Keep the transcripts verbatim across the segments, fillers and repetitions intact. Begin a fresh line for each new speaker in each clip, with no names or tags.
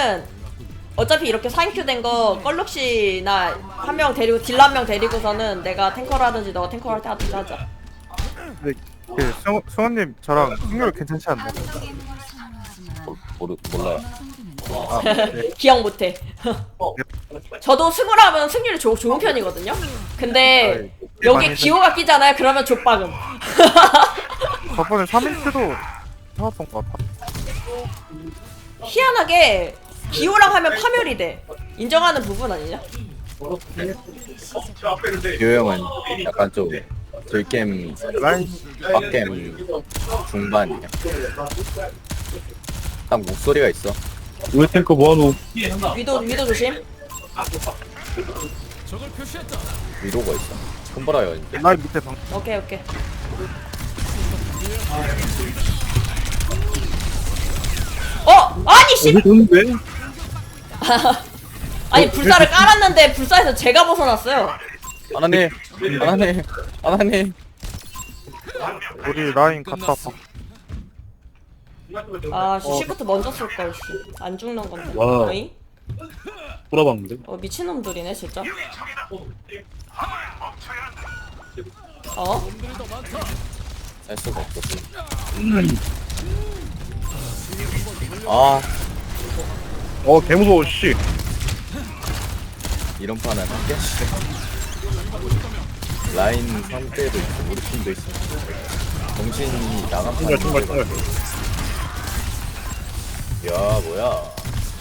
그러면은 어차피 이렇게 사 인큐 된 거 껄룩씨나 한 명 데리고 딜러 한 명 데리고서는 내가 탱커를 하든지 너가 탱커를 할 때 하든지 하자.
근데 그 승, 승원님 저랑 승률 괜찮지 않나요?
모르 몰라요.
아, 네.
기억 못해. 저도 승우를 하면 승률이 조, 좋은 편이거든요. 근데 여기 기호가 끼잖아요. 그러면 족박음.
저번에 삼 인큐도 해왔던 것 같아.
희한하게 기호랑 하면 파멸이 돼. 인정하는 부분 아니냐?
유 형은 약간 좀 들겜
라인
빡겜 중반이야. 딱 목소리가 있어.
우리 탱커 뭐하노?
위도 위도 조심.
위로가 있어. 손보라요 이제.
라인 밑에 방.
오케이 오케이. 어 아니 씨.
어디 좋은데?
아니 불사를 깔았는데 불사에서 제가 벗어났어요.
하나님, 하나님, 하나님.
우리 라인 갔다 봐.
아 씨, 시프트 먼저 쓸 걸. 씨. 안 죽는 건데.
와우.
어이?
돌아봤는데?
어 미친놈들이네 진짜. 어?
할 수가 없었어. 아,
어 개무서워 씨.
이런 판은 하겠지. 라인 상대도 있고 우리 팀도 있어. 정신이 나간
정말
판이
정말 정말.
야 뭐야.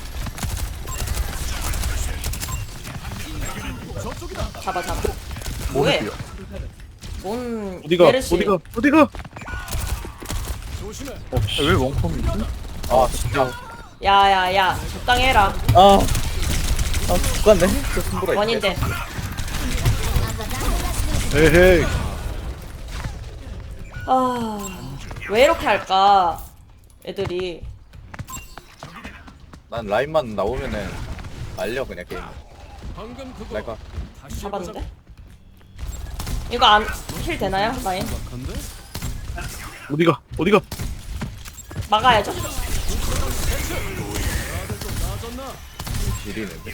잡아 잡아. 뭐해?
뭐야?
뭔
어디가
메르시.
어디가 어디가?
어, 왜 원컴이지?
아 진짜.
야야야 적당히 해라.
아, 아 죽겠네. 저 손보라.
원인데.
에헤이.
아왜 이렇게 할까? 애들이.
난 라인만 나오면은 알려 그냥 게임. 내가
잡았는데? 이거 안 힐 되나요? 라인?
어디가 어디가?
막아야죠.
지리는데.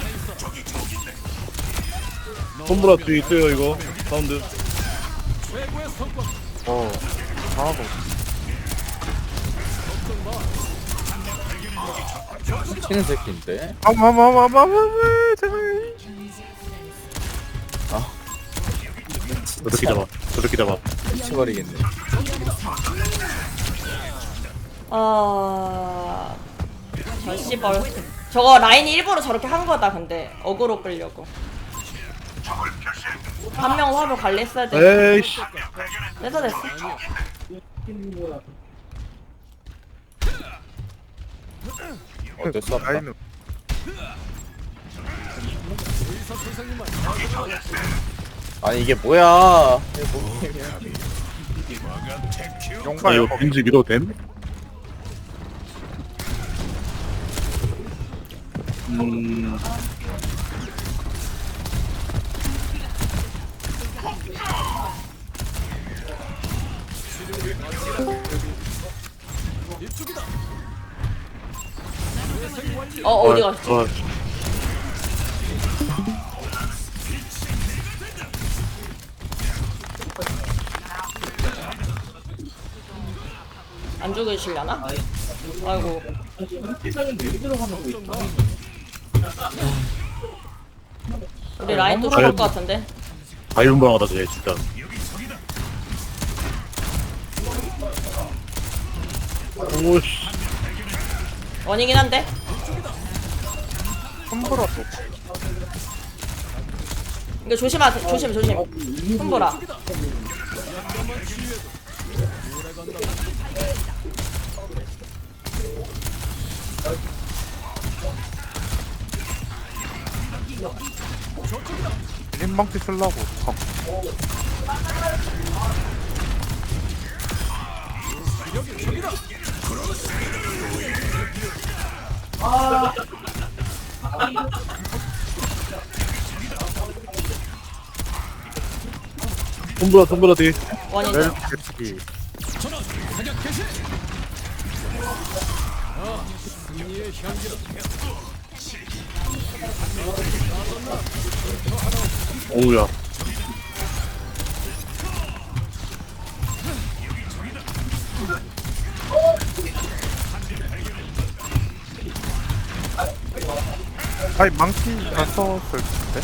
손보라 뒤에 있어요 이거. 사운드.
어, 하나도.
치는 새끼인데.
아마마마마마 제발.
아,
저렇게 잡아. 저렇게 잡아.
미쳐버리겠네.
아... 저 씨벌. 저거 라인이 일부러 저렇게 한 거다 근데 어그로 끌려고. 한 명 화로 관리했어야 돼.
에이씨.
됐어 됐어.
어쩔 수 없다.
라인은
아니 이게 뭐야? 이게 뭐 게임이야?
아
용가
이거
이거
빈지 밀어도 됨? 음.
어 어디 갔지?
어,
안 죽으시려나? 아이고. 우리 라인 또 죽을 것 같은데?
자유분방하다 쟤 진짜. 오씨.
원이긴 한데?
손보라도.
이거 조심하세요. 조심 조심. 손보라.
림방티 쓰려고. 어.
손보라 손보라 뒤에.
원인데.
멜 개치기.
어우야.
아니 망치 다 썼을 텐데.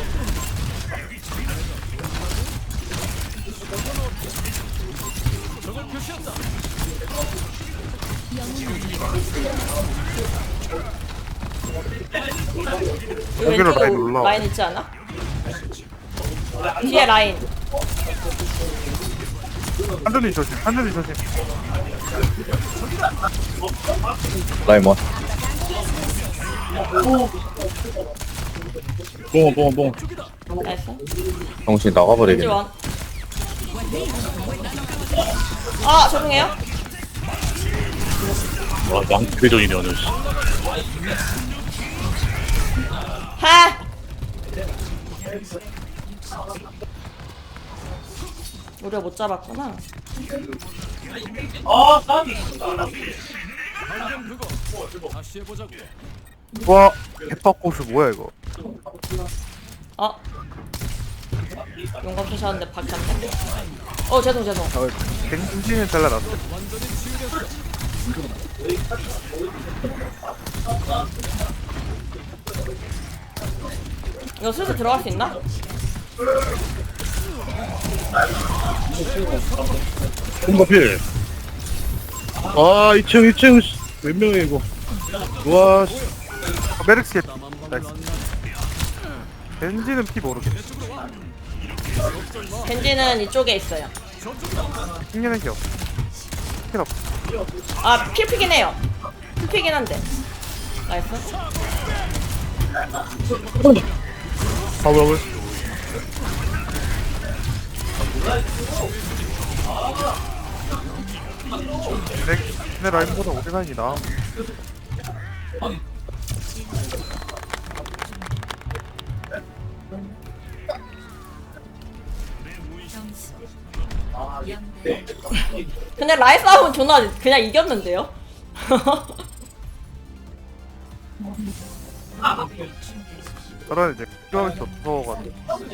이
여기로
왼쪽에
라인
오-
올라와.
라인 있지 않아? 뒤에 라인.
한준이 조심, 한준이 조심.
라인 원.
뽕, 뽕, 뽕.
나이스.
정신
겐지
나가버리겠네.
원. 아 죄송해요.
와, 망대전이네, 오늘.
하. 우리가 못 잡았구나.
와, 개빡고수 뭐야 이거?
어? 용감 쏘셨는데 밖에 안 돼. 어 죄송 죄송.
아, 갱신을 잘라놨어.
이거 슬슬 들어갈 수 있나?
뽕가필. 아, 이 층, 이 층. 몇 명이야, 이거. 와, 씨.
어, 메르시 나이스. 겐지는 피 모르겠어.
겐지는 이쪽에 있어요.
핑계는 게 없어. 핑계 없어.
아 필피긴 해요. 필피긴 한데. 나이스.
파워블.
내, 내 라인보다 오래 라인이 나.
근데 라이 싸움은 존나 그냥 이겼는데요?
저런 이제 필요할 수 없어가지고.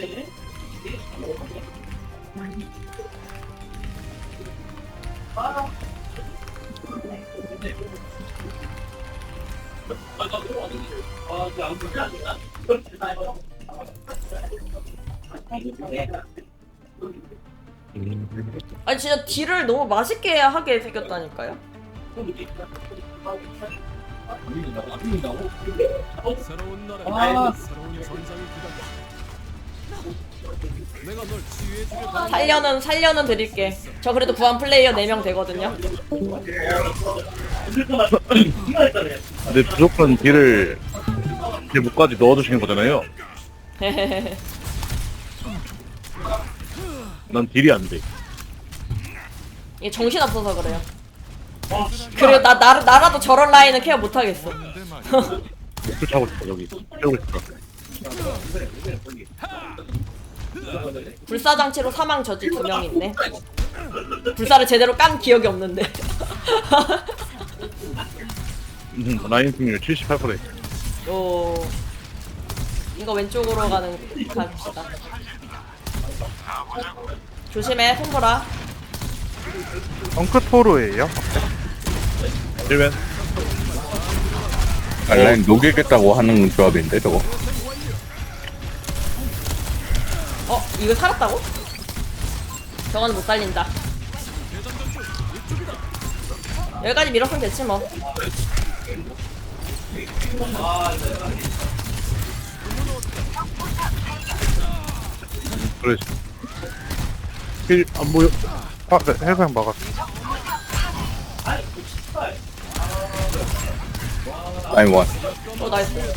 아니 진짜 딜을 너무 맛있게 하게 생겼다니까요?
새로운 나라, 새로운 전장이 기다려. 내가 널 치유해주려.
살려는 살려는 드릴게. 저 그래도 구한 플레이어 네 명 되거든요.
근데 무조건 딜을 제 목까지 넣어주시는 거잖아요. 난 딜이 안 돼.
이게 정신 없어서 그래요. 그리고 나, 나 나라도 저런 라인은 케어 못 하겠어.
목줄 차고 싶어, 여기. 채우고 싶어.
불사장치로 사망 저지 두 명 있네. 불사를 제대로 깐 기억이 없는데.
음, 라인 승률 칠십팔 퍼센트.
오. 이거 왼쪽으로 가는 갑시다. 조심해, 손보라.
덩크토르예요.
힐맨.
아, 라인 녹이겠다고 하는 조합인데 저거.
어, 이거 살았다고? 저건 못 살린다. 여기까지 밀었으면 됐지 뭐.
그래. 힐안 보여.
아, 네, 해상 막았어.
라인 원.
어, 나이스.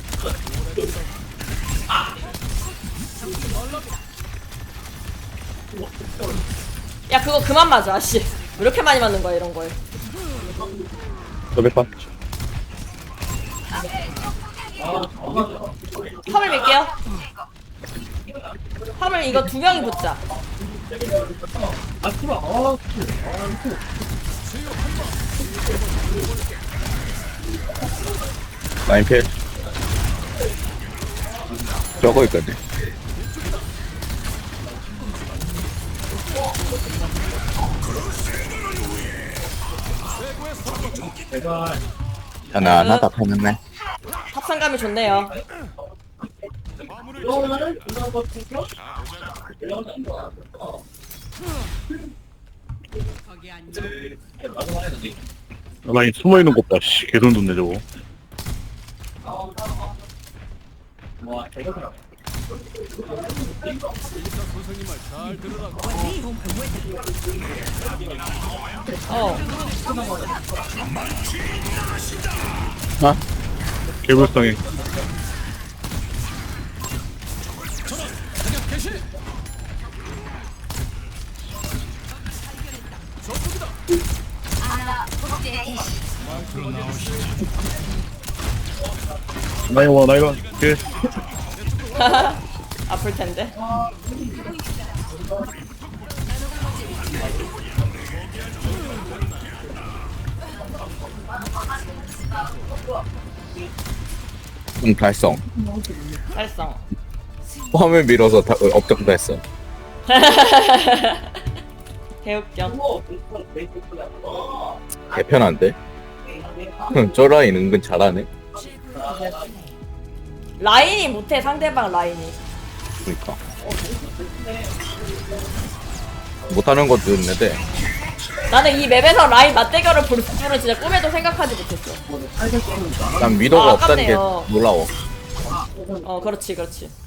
야, 그거 그만 맞아, 씨. 왜 이렇게 많이 맞는 거야, 이런 거에.
더백판.
화물 밀게요. 화물 이거 두 명이 붙자.
라인 필. 저거 있거든. 편안하다, 편안해.
합성감이 좋네요.
라인 숨어있는 것 봐, 씨. 개돈 돋네, 저거.
선생님 말 잘 들으라고.
어.
아? 개불쌍해. 라인 와, 라인 와. 오케이.
아플 텐데.
응, 달성.
살성.
화면 밀어서 다, 어, 업적도 했어.
개웃겨.
개편한데? 저 라인 은근 잘하네.
라인이 못해, 상대방 라인이.
그니까. 못하는 것도 있는데,
나는 이 맵에서 라인 맞대결을 볼 줄은 진짜 꿈에도 생각하지 못했어.
난 위도가
아,
없다는 게
아깝네요.
놀라워.
어, 그렇지, 그렇지.